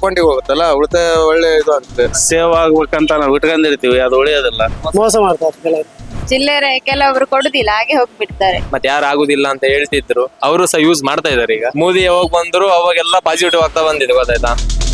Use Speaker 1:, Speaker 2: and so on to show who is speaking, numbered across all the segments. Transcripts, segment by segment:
Speaker 1: ಅಕೌಂಟಿಗೆ ಹೋಗುತ್ತಲ್ಲ, ಉಳಿತಾಯ ಒಳ್ಳೆ ಇದು ಆಗುತ್ತೆ.
Speaker 2: ಸೇವ್ ಆಗ್ಬೇಕಂತ ನಾವು ಇಟ್ಕೊಂಡಿರ್ತೀವಿ, ಅದು ಉಳಿಯೋದಿಲ್ಲ.
Speaker 3: ಮೋಸ ಮಾಡ್ತಾರೆ ಕೆಲವರು.
Speaker 4: ಚಿಲ್ಲರೆ ಕೆಲವೊಬ್ರು ಕೊಡುದಿಲ್ಲ, ಹಾಗೆ ಹೋಗ್ಬಿಡ್ತಾರೆ.
Speaker 5: ಮತ್ತೆ ಯಾರು ಆಗುದಿಲ್ಲ ಅಂತ ಹೇಳ್ತಿದ್ರು, ಅವರು ಸಹ ಯೂಸ್ ಮಾಡ್ತಾ ಇದಾರೆ. ಈಗ ಮೋದಿ ಯಾವಾಗ ಬಂದ್ರು ಅವಾಗೆಲ್ಲ ಪಾಸಿಟಿವ್ ಆಗ್ತಾ ಬಂದಿದೆ, ಗೊತ್ತಾಯ್ತಾ?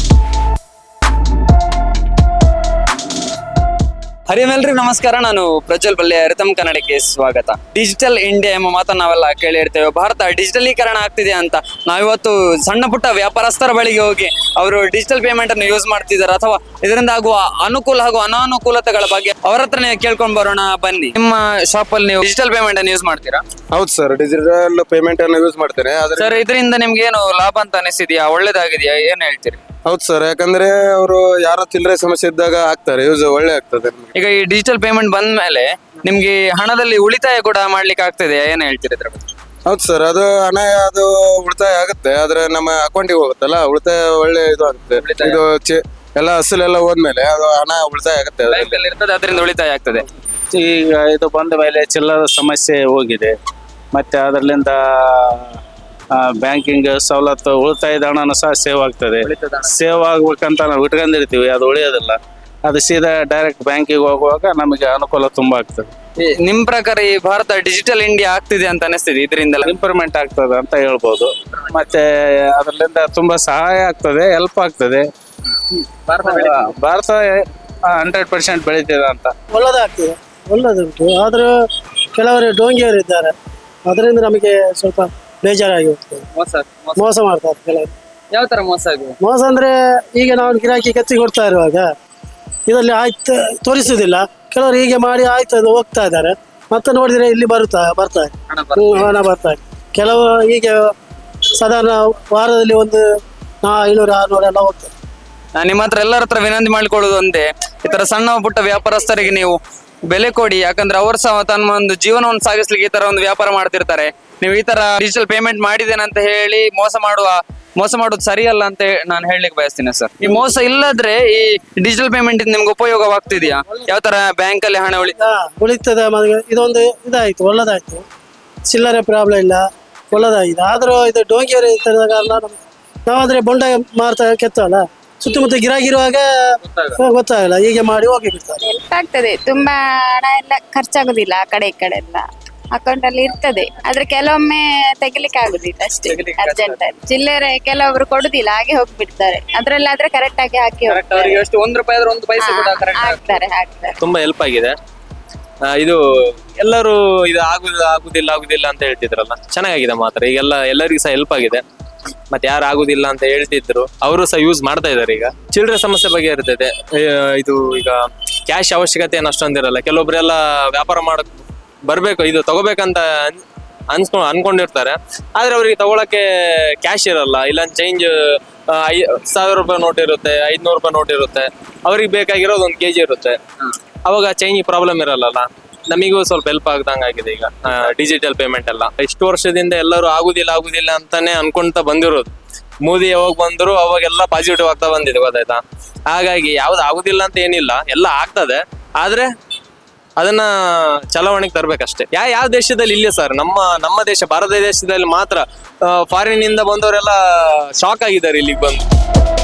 Speaker 6: ಹರಿಯಮೆಲ್ರಿ ನಮಸ್ಕಾರ, ನಾನು ಪ್ರಜ್ವಲ್ ಬಲ್ಲೆ. ಅರಿತಮ್ ಕನ್ನಡಕ್ಕೆ ಸ್ವಾಗತ. ಡಿಜಿಟಲ್ ಇಂಡಿಯಾ ಎಂಬ ಮಾತನ್ನು ನಾವೆಲ್ಲ ಕೇಳಿರ್ತೇವೆ. ಭಾರತ ಡಿಜಿಟಲೀಕರಣ ಆಗ್ತಿದೆ ಅಂತ ನಾವಿವತ್ತು ಸಣ್ಣ ಪುಟ್ಟ ವ್ಯಾಪಾರಸ್ಥರ ಬಳಿಗೆ ಹೋಗಿ ಅವರು ಡಿಜಿಟಲ್ ಪೇಮೆಂಟ್ ಅನ್ನು ಯೂಸ್ ಮಾಡ್ತಿದ್ದಾರೆ ಅಥವಾ ಇದರಿಂದ ಆಗುವ ಅನುಕೂಲ ಹಾಗೂ ಅನಾನುಕೂಲತೆಗಳ ಬಗ್ಗೆ ಅವರ ಹತ್ರನೇ ಕೇಳ್ಕೊಂಡ್ ಬರೋಣ ಬನ್ನಿ. ನಿಮ್ಮ ಶಾಪ್ ಅಲ್ಲಿ ನೀವು ಡಿಜಿಟಲ್ ಪೇಮೆಂಟ್ ಅನ್ನು ಯೂಸ್ ಮಾಡ್ತೀರಾ?
Speaker 1: ಹೌದು ಸರ್, ಡಿಜಿಟಲ್ ಪೇಮೆಂಟ್ ಅನ್ನು ಯೂಸ್ ಮಾಡ್ತೇನೆ.
Speaker 6: ಸರ್, ಇದರಿಂದ ನಿಮ್ಗೆ ಏನು ಲಾಭ ಅಂತ ಅನಿಸಿದ್ಯಾ, ಒಳ್ಳೇದಾಗಿದೆಯಾ, ಏನ್ ಹೇಳ್ತೀರಿ?
Speaker 1: ಹೌದು ಸರ್, ಯಾಕಂದ್ರೆ ಅವರು ಯಾರೋ ಚಿಲ್ಲರೆ ಸಮಸ್ಯೆ ಇದ್ದಾಗ ಆಗ್ತಾರೆ, ಯೂಸ್ ಒಳ್ಳೆ ಆಗ್ತದೆ.
Speaker 6: ಈಗ ಈ ಡಿಜಿಟಲ್ ಪೇಮೆಂಟ್ ಬಂದ ಮೇಲೆ ನಿಮ್ಗೆ ಹಣದಲ್ಲಿ ಉಳಿತಾಯ ಕೂಡ ಮಾಡ್ಲಿಕ್ಕೆ ಆಗ್ತದೆ, ಏನ್ ಹೇಳ್ತೀರಿ ಇದ್ರ ಬಗ್ಗೆ?
Speaker 1: ಹೌದು ಸರ್, ಅದು ಹಣ ಅದು ಉಳಿತಾಯ ಆಗುತ್ತೆ, ಆದ್ರೆ ನಮ್ಮ ಅಕೌಂಟಿಗೆ ಹೋಗುತ್ತಲ್ಲ, ಉಳಿತಾಯ ಒಳ್ಳೆ ಇದು ಆಗುತ್ತೆ. ಇದು ಎಲ್ಲ ಅಸಲೆಲ್ಲ ಹೋದ್ಮೇಲೆ ಅದು ಹಣ ಉಳಿತಾಯ ಆಗುತ್ತೆ,
Speaker 6: ಬ್ಯಾಂಕಲ್ಲಿ ಇರ್ತದೆ, ಅದರಿಂದ ಉಳಿತಾಯ ಆಗ್ತದೆ.
Speaker 2: ಈಗ ಇದು ಬಂದ ಮೇಲೆ ಚಿಲ್ಲರ ಸಮಸ್ಯೆ ಹೋಗಿದೆ. ಮತ್ತೆ ಅದರಿಂದ ಬ್ಯಾಂಕಿಂಗ್ ಸವಲತ್ತು, ಉಳಿತಾಯದ ಹಣನೂ ಸಹ ಸೇವ್ ಆಗ್ತದೆ. ಸೇವ್ ಆಗ್ಬೇಕಂತ ನಾವು ಇಟ್ಕೊಂಡಿರ್ತೀವಿ, ಅದು ಉಳಿಯೋದಿಲ್ಲ. ಅದು ಸೀದಾ ಡೈರೆಕ್ಟ್ ಬ್ಯಾಂಕಿಗೆ ಹೋಗುವಾಗ ನಮಗೆ ಅನುಕೂಲ ತುಂಬಾ ಆಗ್ತದೆ.
Speaker 6: ನಿಮ್ ಪ್ರಕಾರ ಈ ಭಾರತ ಡಿಜಿಟಲ್ ಇಂಡಿಯಾ ಆಗ್ತಿದೆ ಅಂತ ಅನಿಸ್ತಿದೆ, ಇದರಿಂದ
Speaker 2: ಇಂಪ್ರೂವ್ಮೆಂಟ್ ಆಗ್ತದೆ ಅಂತ ಹೇಳ್ಬೋದು. ಮತ್ತೆ ಅದರಿಂದ ತುಂಬಾ ಸಹಾಯ ಆಗ್ತದೆ, ಹೆಲ್ಪ್ ಆಗ್ತದೆ. ಭಾರತ 100% ಬೆಳೀತಿದೆ ಅಂತ.
Speaker 3: ಒಳ್ಳೆದಾಗ್ತದೆ, ಒಳ್ಳೆದುಂಟು. ಆದರೂ ಕೆಲವರು ಡೋಂಗಿಯವರು ಇದ್ದಾರೆ, ಅದರಿಂದ ನಮಗೆ ಸ್ವಲ್ಪ ಬೇಜಾರಾಗಿ ಹೋಗ್ತದೆ. ಮೋಸ ಮಾಡ್ತಾರೆ ಕೆಲವರು.
Speaker 6: ಯಾವ ತರ ಮೋಸ ಆಗಿದೆ?
Speaker 3: ಮೋಸ ಅಂದ್ರೆ ಈಗ ನಾವು ಗಿರಾಕಿ ಕೆತ್ತಿ ಕೊಡ್ತಾ ಇರುವಾಗ ಇದರಲ್ಲಿ ಆಯ್ತು ತೋರಿಸುವುದಿಲ್ಲ. ಕೆಲವರು ಹೀಗೆ ಮಾಡಿ ಆಯ್ತು ಅದು ಹೋಗ್ತಾ ಇದ್ದಾರೆ, ಮತ್ತೆ ನೋಡಿದ್ರೆ ಇಲ್ಲಿ ಬರ್ತಾರೆ ಹಣ ಬರ್ತಾರೆ. ಕೆಲವು ಹೀಗೆ ಸಾಧಾರಣ ವಾರದಲ್ಲಿ ಒಂದು 500-600 ಎಲ್ಲ ಹೋಗ್ತಾರೆ.
Speaker 6: ನಾನು ನಿಮ್ಮ ಹತ್ರ ಎಲ್ಲರ ಹತ್ರ ವಿನಂತಿ ಮಾಡಿಕೊಳ್ಳುದು ಒಂದೇ, ಈ ತರ ಸಣ್ಣ ಪುಟ್ಟ ವ್ಯಾಪಾರಸ್ಥರಿಗೆ ನೀವು ಬೆಲೆ ಕೊಡಿ. ಯಾಕಂದ್ರೆ ಅವರು ಸಹ ತಮ್ಮ ಒಂದು ಜೀವನವನ್ನು ಸಾಗಿಸ್ಲಿಕ್ಕೆ ಈ ತರ ಒಂದು ವ್ಯಾಪಾರ ಮಾಡ್ತಿರ್ತಾರೆ. ನೀವು ಈ ತರ ಡಿಜಿಟಲ್ ಪೇಮೆಂಟ್ ಮಾಡಿದ್ದೇನೆ ಅಂತ ಹೇಳಿ ಮೋಸ ಮಾಡೋದು ಸರಿಯಲ್ಲ ಅಂತ ನಾನು ಹೇಳಲಿಕ್ಕೆ ಬಯಸ್ತೀನಿ ಸರ್. ಈ ಮೋಸ ಇಲ್ಲದ್ರೆ ಈ ಡಿಜಿಟಲ್ ಪೇಮೆಂಟ್ ನಿಮ್ಗೆ ಉಪಯೋಗವಾಗ್ತಿದ್ಯಾ? ಯಾವ ತರ ಬ್ಯಾಂಕ್ ಅಲ್ಲಿ ಹಣ
Speaker 3: ಉಳಿತದೆ. ಇದೊಂದು ಇದಾಯ್ತು, ಒಳ್ಳೆದಾಯ್ತು. ಚಿಲ್ಲರೆ ಪ್ರಾಬ್ಲಮ್ ಇಲ್ಲ, ಒಳ್ಳೆದಾಗಿದೆ. ಆದ್ರೂ ಇದು ಡೋಂಗಿಯವರು ಇರ್ತದ ಕಾರಣ ನಾವಾದ್ರೆ ಬೊಂಡ ಮಾರ್ತಾ ಕೆತ್ತವಲ್ಲ, ಸುತ್ತಮುತ್ತ ಗಿರಾಗಿರುವಾಗ ಗೊತ್ತಾಗಲ್ಲ, ಹೀಗೆ ಮಾಡಿ ಹೋಗಿ ಬಿಡ್ತಾರೆ.
Speaker 4: ಹೆಲ್ಪ್ ಆಗ್ತದೆ, ತುಂಬಾ ಹಣ ಎಲ್ಲ ಖರ್ಚಾಗುದಿಲ್ಲ. ಆ ಕಡೆ ಈ ಕಡೆ ಎಲ್ಲ ಅಕೌಂಟ್ ಅಲ್ಲಿ ಇರ್ತದೆ, ಆದ್ರೆ ಕೆಲವೊಮ್ಮೆ ತೆಗಿಲಿಕ್ಕೆ ಆಗುದಿಲ್ಲ ಅಷ್ಟೇ, ಅರ್ಜೆಂಟ್ ಅಲ್ಲಿ. ಚಿಲ್ಲರೆ ಕೆಲವೊಬ್ರು ಕೊಡುದಿಲ್ಲ, ಹಾಗೆ ಹೋಗ್ಬಿಡ್ತಾರೆ. ಅದ್ರಲ್ಲಾದ್ರೆ ಕರೆಕ್ಟ್ ಆಗಿ ಹಾಕಿ
Speaker 6: ₹1 ಆದ್ರೆ 1 ಪೈಸೆ ಕೂಡ
Speaker 4: ಹಾಕ್ತಾರೆ.
Speaker 5: ತುಂಬಾ ಹೆಲ್ಪ್ ಆಗಿದೆ. ಇದು ಎಲ್ಲರೂ ಇದು ಆಗುದಿಲ್ಲ ಅಂತ ಹೇಳ್ತಿದ್ರಲ್ಲ, ಚೆನ್ನಾಗಿದೆ ಮಾತ್ರ. ಈಗೆಲ್ಲ ಎಲ್ಲರಿಗೂ ಸಹ ಹೆಲ್ಪ್ ಆಗಿದೆ. ಮತ್ತೆ ಯಾರು ಆಗುದಿಲ್ಲ ಅಂತ ಹೇಳ್ತಿದ್ರು, ಅವರು ಸಹ ಯೂಸ್ ಮಾಡ್ತಾ ಇದಾರೆ. ಈಗ ಚಿಲ್ಲರೆ ಸಮಸ್ಯೆ ಬಗ್ಗೆ ಇರ್ತದೆ. ಇದು ಈಗ ಕ್ಯಾಶ್ ಅವಶ್ಯಕತೆ ಏನು ಅಷ್ಟೊಂದಿರಲ್ಲ. ಕೆಲವೊಬ್ರೆಲ್ಲ ವ್ಯಾಪಾರ ಮಾಡಕ್ ಬರ್ಬೇಕು, ಇದು ತಗೋಬೇಕಂತ ಅನ್ಕೊಂಡಿರ್ತಾರೆ, ಆದ್ರೆ ಅವ್ರಿಗೆ ತಗೊಳಕ್ಕೆ ಕ್ಯಾಶ್ ಇರಲ್ಲ. ಇಲ್ಲ ಚೇಂಜ್ ₹1000 ನೋಟ್ ಇರುತ್ತೆ, ₹500 ನೋಟ್ ಇರುತ್ತೆ. ಅವ್ರಿಗೆ ಬೇಕಾಗಿರೋದು 1 kg ಇರುತ್ತೆ. ಅವಾಗ ಚೇಂಜ್ ಪ್ರಾಬ್ಲಮ್ ಇರಲ್ಲ. ನಮಿಗೂ ಸ್ವಲ್ಪ ಹೆಲ್ಪ್ ಆಗ್ದಂಗಾಗಿದೆ ಈಗ ಡಿಜಿಟಲ್ ಪೇಮೆಂಟ್ ಎಲ್ಲ. ಇಷ್ಟು ವರ್ಷದಿಂದ ಎಲ್ಲರೂ ಆಗುದಿಲ್ಲ ಅಂತಾನೆ ಅನ್ಕೊಂತ ಬಂದಿರೋದು. ಮೋದಿ ಯಾವಾಗ ಬಂದ್ರು ಅವಾಗೆಲ್ಲ ಪಾಸಿಟಿವ್ ಆಗ್ತಾ ಬಂದಿದೆ, ಗೊತ್ತಾಯ್ತಾ? ಹಾಗಾಗಿ ಯಾವ್ದು ಆಗುದಿಲ್ಲ ಅಂತ ಏನಿಲ್ಲ, ಎಲ್ಲ ಆಗ್ತದೆ. ಆದ್ರೆ ಅದನ್ನ ಚಲಾವಣೆಗೆ ತರ್ಬೇಕಷ್ಟೇ. ಯಾವ ದೇಶದಲ್ಲಿ ಇಲ್ಲ ಸರ್, ನಮ್ಮ ದೇಶ ಭಾರತ ದೇಶದಲ್ಲಿ ಮಾತ್ರ ಫಾರಿನ್ ಇಂದ ಬಂದವರೆಲ್ಲ ಶಾಕ್ ಆಗಿದ್ದಾರೆ ಇಲ್ಲಿಗೆ ಬಂದು.